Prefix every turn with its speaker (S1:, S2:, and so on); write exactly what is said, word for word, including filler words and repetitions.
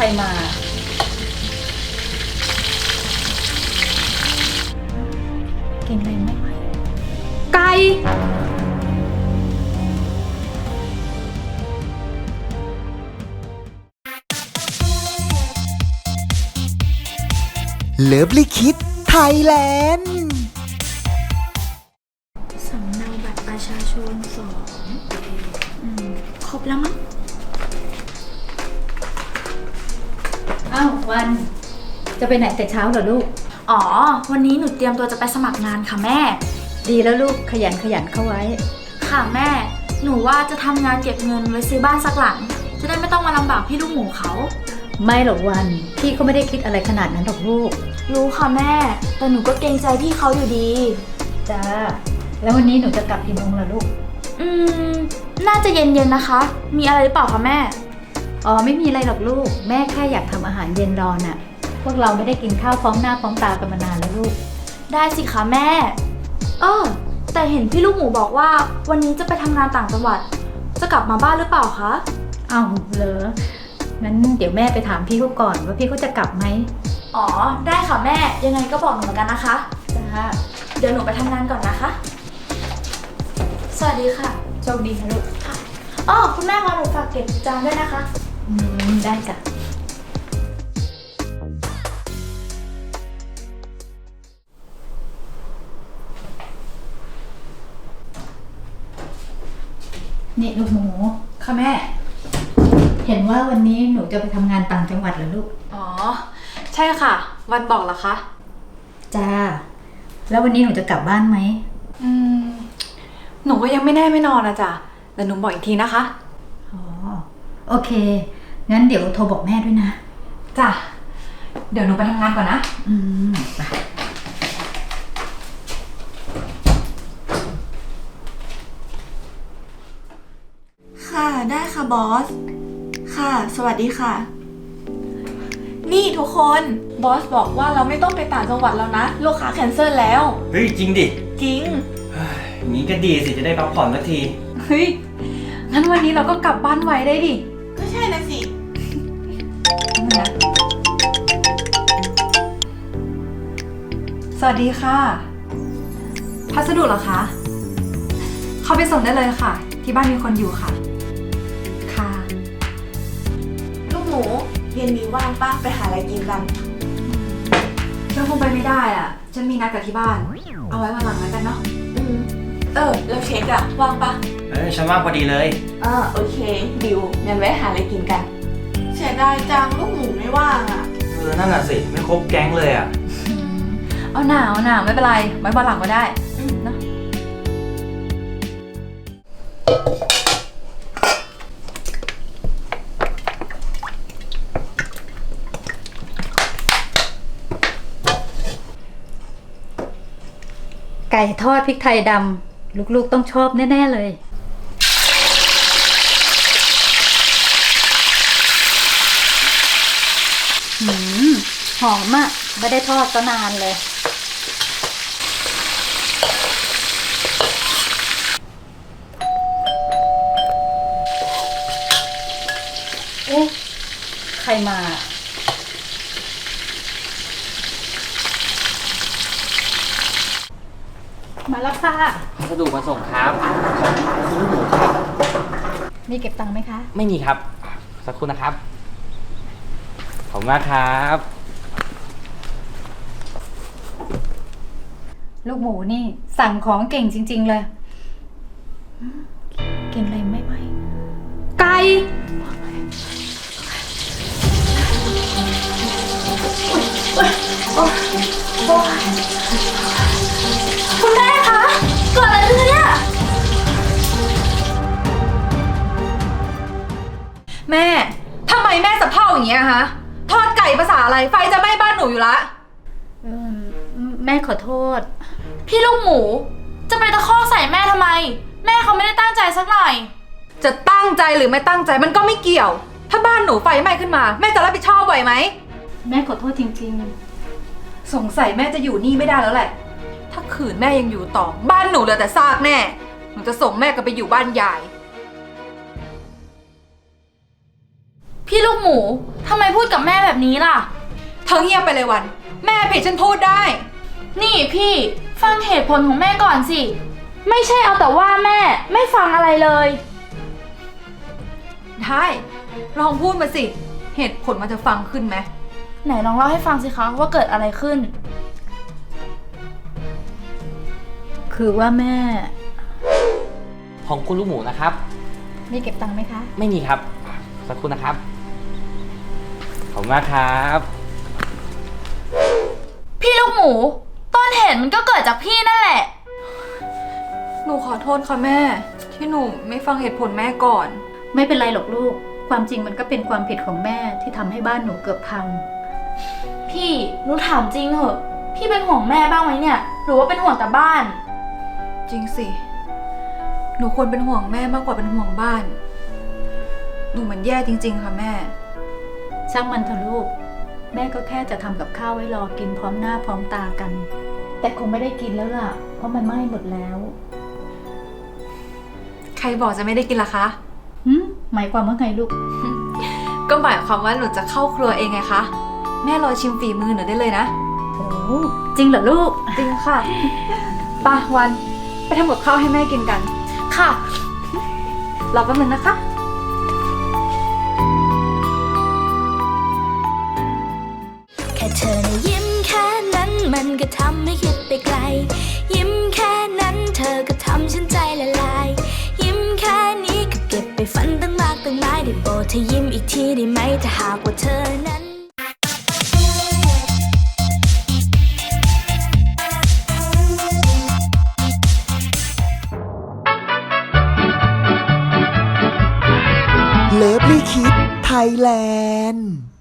S1: มาเก่งอะไรไม่ไหวไก่
S2: เลิฟลิคิดไทยแลนด์
S3: สำเนาบัตรประชาชนสองอืมครบแล้วมั้ง
S1: อ้าววันจะไปไหนแต่เช้าเหรอลูก
S3: อ๋อวันนี้หนูเตรียมตัวจะไปสมัครงานค่ะแม่
S1: ดีแล้วลูกขยันขยันเข้าไว้
S3: ค่ะแม่หนูว่าจะทำงานเก็บเงินไว้ซื้อบ้านสักหลังจะได้ไม่ต้องมาลำบากพี่ลูกหมูเขา
S1: ไม่หรอกวันพี่ก็ไม่ได้คิดอะไรขนาดนั้นหรอกลูก
S3: รู้ค่ะแม่แต่หนูก็เกรงใจพี่เขาอยู่ดี
S1: จ้าแล้ววันนี้หนูจะกลับกี่โมงล่ะลูก
S3: อืมน่าจะเย็นๆนะคะมีอะไรหรือเปล่าคะแม่
S1: อ๋อไม่มีอะไรหรอกลูกแม่แค่อยากทำอาหารเย็นรอน่ะพวกเราไม่ได้กินข้าวพร้อมหน้าพร้อมตากันมานานแล้วลูก
S3: ได้สิคะแม่เออแต่เห็นพี่ลูกหมูบอกว่าวันนี้จะไปทำงานต่างจังหวัดจะกลับมาบ้านหรือเปล่าคะ
S1: อ้าวเหรองั้นเดี๋ยวแม่ไปถามพี่เขาก่อนว่าพี่เขาจะกลับไหม
S3: อ๋อได้ค่ะแม่ยังไงก็บอกหนูเหมือนกันนะคะ
S1: จ้า
S3: เดี๋ยวหนูไปทำงานก่อนนะคะสวัสดีค่ะ
S1: โชคดีนะลูก
S3: ค่ะอ๋อคุณแม่คะหนูฝากเก็บจานด้วยนะคะ
S1: อืมได้จ้ะนี่ลูกหมู
S3: ค่ะแม่
S1: เห็นว่าวันนี้หนูจะไปทำงานต่างจังหวัดเหรอลูก
S3: อ๋อใช่ค่ะวันบอกเหรอคะ
S1: จ้าแล้ววันนี้หนูจะกลับบ้านไหม
S3: อืมหนูก็ยังไม่แน่ไม่นอนนะจ๊ะแต่หนูบอกอีกทีนะคะ
S1: อ๋อโอเคงั้นเดี๋ยวโทรบอกแม่ด้วยนะ
S3: จ้ะเดี๋ยวหนูไปทำงานก่อนนะ
S1: อืมไป
S3: ค่ะได้ค่ะบอสค่ะสวัสดีค่ะนี่ทุกคนบอสบอกว่าเราไม่ต้องไปต่างจังหวัดแล้วนะลูกค้าแคนเซิลแล้ว
S4: เฮ้ยจริงดิ
S3: จริง
S4: อย่างนี้ก็ดีสิจะได้พักผ่อนสักที
S3: เฮ้ยงั้นวันนี้เราก็กลับบ้านไวได้ดิก็ใช่นะสินะสวัสดีค่ะพัสดุเหรอคะเข้าไปส่งได้เลยค่ะที่บ้านมีคนอยู่ค่ะค่ะลูกหมูเย็นนี้ว่างป้าไปหาอะไรกินกันฉันคงไปไม่ได้อ่ะฉันมีนัดกับที่บ้านเอาไว้วันหลังแล้วกันเนาะอืมเออแล้วเช็คอะว่างปะ
S4: เออฉันว่างพอดีเลย
S3: อ่าโอเคดิวงั้นไว้หาอะไรกินกันเสียดายจังลูกหมูไม่ว่างอ่ะ
S4: เออนั่นน่ะสิไม่ครบแก๊งเลยอ่ะ
S3: เอาหนาวหนาวไม่เป็นไรไว้วันหลังก็ได้นะ
S1: ไก่ทอดพริกไทยดำลูกๆต้องชอบแน่ๆเลยหืมหอมอ่ะไม่ได้ทอดก็นานเลยเอ๊ะใครมามาแล้วค่ะ
S4: พัสดุมาส่งครับของคุณลูกหมูครับ
S1: มีเก็บตังค์ไหมคะ
S4: ไม่มีครับสักครู่นะครับขอบคุณมากครับ
S1: ลูกหมูนี่สั่งของเก่งจริงๆเลยเก่งอะไรไม่ไหวไก่
S3: คุณแม่คะเกิดอะไรขึ้นเนี่ยแม่ทำไมแม่สะเพร่าอย่างเงี้ยคะทอดไก่ภาษาอะไรไฟจะไหม้บ้านหนูอยู่ละ
S1: แม่ขอโทษ
S3: พี่ลูกหมูจะไปตะคอกใส่แม่ทำไมแม่เขาไม่ได้ตั้งใจสักหน่อยจะตั้งใจหรือไม่ตั้งใจมันก็ไม่เกี่ยวถ้าบ้านหนูไฟไหม้ขึ้นมาแม่จะรับผิดชอบไหวไหม
S1: แม่ขอโทษจริง
S3: ๆสงสัยแม่จะอยู่นี่ไม่ได้แล้วแหละถ้าขืนแม่ยังอยู่ต่อบ้านหนูเหลือแต่ซากแน่หนูจะส่งแม่กลับไปอยู่บ้านยาย
S5: พี่ลูกหมูทำไมพูดกับแม่แบบนี้ล่ะ
S3: เธอเงียบไปเลยวัน แม่ผิดฉันพูดได้
S5: นี่พี่ฟังเหตุผลของแม่ก่อนสิ ไม่ใช่เอาแต่ว่าแม่ไม่ฟังอะไรเลย
S3: ได้ ลองพูดมาสิ เหตุผลมันจะฟังขึ้นไหม
S5: ไหนลองเล่าให้ฟังสิคะว่าเกิดอะไรขึ้น
S1: คือว่าแม่
S4: ของคุณลูกหมูนะครับ
S1: มีเก็บตังค์ไหมคะ
S4: ไม่มีครับ สักครู่นะครับ ขอบคุณมากครับ
S5: พี่ลูกหมู ต้นเหตุมันก็เกิดจากพี่นั่นแหละ
S3: หนูขอโทษค่ะแม่ ที่หนูไม่ฟังเหตุผลแม่ก่อน
S1: ไม่เป็นไรหรอกลูก ความจริงมันก็เป็นความผิดของแม่ที่ทำให้บ้านหนูเกือบพัง
S5: พี่หนูถามจริงเหอะ พี่เป็นห่วงแม่บ้างไหมเนี่ย หรือว่าเป็นห่วงแต่บ้าน
S3: จริงสิ หนูควรเป็นห่วงแม่มากกว่าเป็นห่วงบ้าน หนูมันแย่จริงๆค่ะแม่
S1: ช่างมันเถอะลูก แม่ก็แค่จะทำกับข้าวไว้รอกินพร้อมหน้าพร้อมตากัน แต่คงไม่ได้กินแล้วล่ะ เพราะมันไหม้หมดแล้ว
S3: ใครบอกจะไม่ได้กินล่ะคะ
S1: หืมหมายความว่าไงลูก
S3: ก็หมายความว่าหนูจะเข้าครัวเองไงคะ แม่รอชิมฝีมือหนูได้เลยนะ
S1: โอ้จริงเหรอลูก
S3: จริงค่ะป่ะวัน ไปทำกับข้าวให้แม่กินกัน
S5: ค่ะ
S3: รอแป๊บนึงนะคะ
S6: แค่เธอนะยิ้มแค่นั้นมันก็ทำให้คิดไปไกล ยิ้มแค่นั้นเธอก็ทำฉันใจละลาย ยิ้มแค่นี้ก็เก็บไปฝันตั้งมากตั้งหลายได้โปรดเธอยิ้มอีกทีได้ไหมถ้าหากว่าเธอนั้น
S2: เลิฟลี่คิดไทยแลนด์